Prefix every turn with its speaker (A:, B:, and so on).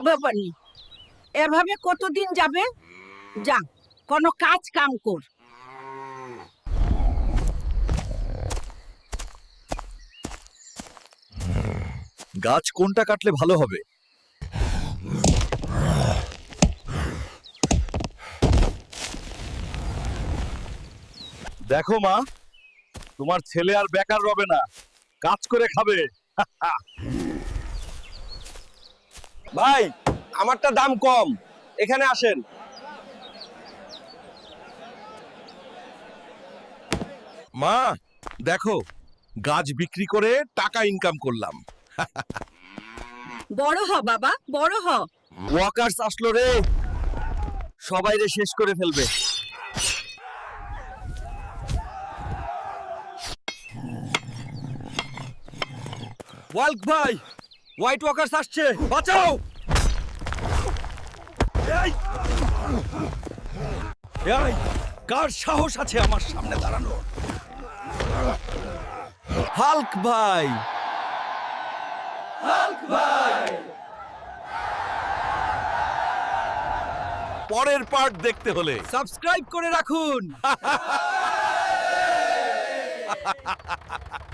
A: বাবানি, এভাবে কতদিন যাবে? যা, কোনো কাজ কাম কর।
B: গাছ কোনটা কাটলে ভালো হবে? দেখো মা, তোমার ছেলে আর বেকার রবে না, কাজ করে খাবে।
C: ভাই, আমারটা দাম কম, এখানে আসেন।
B: মা দেখো, গাছ বিক্রি করে টাকা ইনকাম করলাম।
A: বড় হ বাবা, বড় হ।
C: ওয়াকার্স আসলো রে, সবাই রে শেষ করে ফেলবে। ওয়াল্ক ভাই, হোয়াইট ওয়াকার্স আসছে, বাঁচাও।
B: এই! এই! কার সাহস আছে আমার সামনে দাঁড়ানো?
C: হাল্ক ভাই,
B: পরের পার্ট দেখতে হলে
C: সাবস্ক্রাইব করে রাখুন।